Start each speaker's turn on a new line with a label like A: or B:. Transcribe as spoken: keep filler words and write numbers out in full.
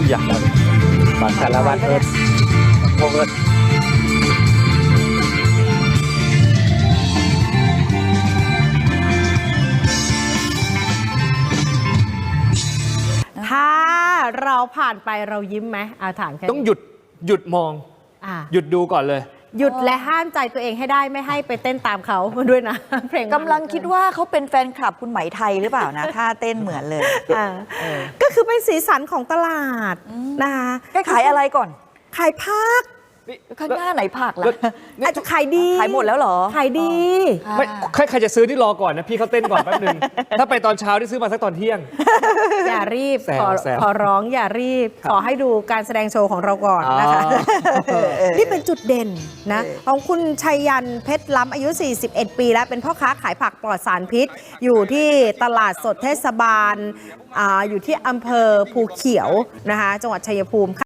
A: อยากบัตรสารวัตรเอิร์ธพงเอิร์ธ
B: ถ้าเราผ่านไปเรายิ้มไหมอาถามแค่
A: ต้องหยุดหยุดมองหยุดดูก่อนเลย
B: หยุดและห้ามใจตัวเองให้ได้ไม่ให้ไปเต้นตามเขาด้วยนะเพลง
C: กำลังคิดว่าเขาเป็นแฟนคลับคุณไหมไทยหรือเปล่านะท่าเต้นเหมือนเลย
B: ก็คือเป็นสีสันของตลาดนะคะ
C: ขายอะไรก่อน
B: ขายผัก
C: ข้างหน้าไหนผักล่ะ
B: อาจจะขายดี
C: ขายหมดแล้วเหรอ
B: ขายดี
A: ไม่ใครจะซื้อที่รอก่อนนะพี่เขาเต้นก่อนแป๊บนึงถ้าไปตอนเช้าที่ซื้อมาสักตอนเที่ยง
B: อย่ารีบขอขอร้องอย่ารีบขอให้ดูการแสดงโชว์ของเราก่อนนะคะนี่เป็นจุดเด่นนะของคุณชัยยันเพชรล้ำอายุสี่สิบเอ็ดปีแล้วเป็นพ่อค้าขายผักปลอดสารพิษอยู่ที่ตลาดสดเทศบาล อ, อยู่ที่อำเภอภูเขียวนะคะจังหวัดชัยภูมิ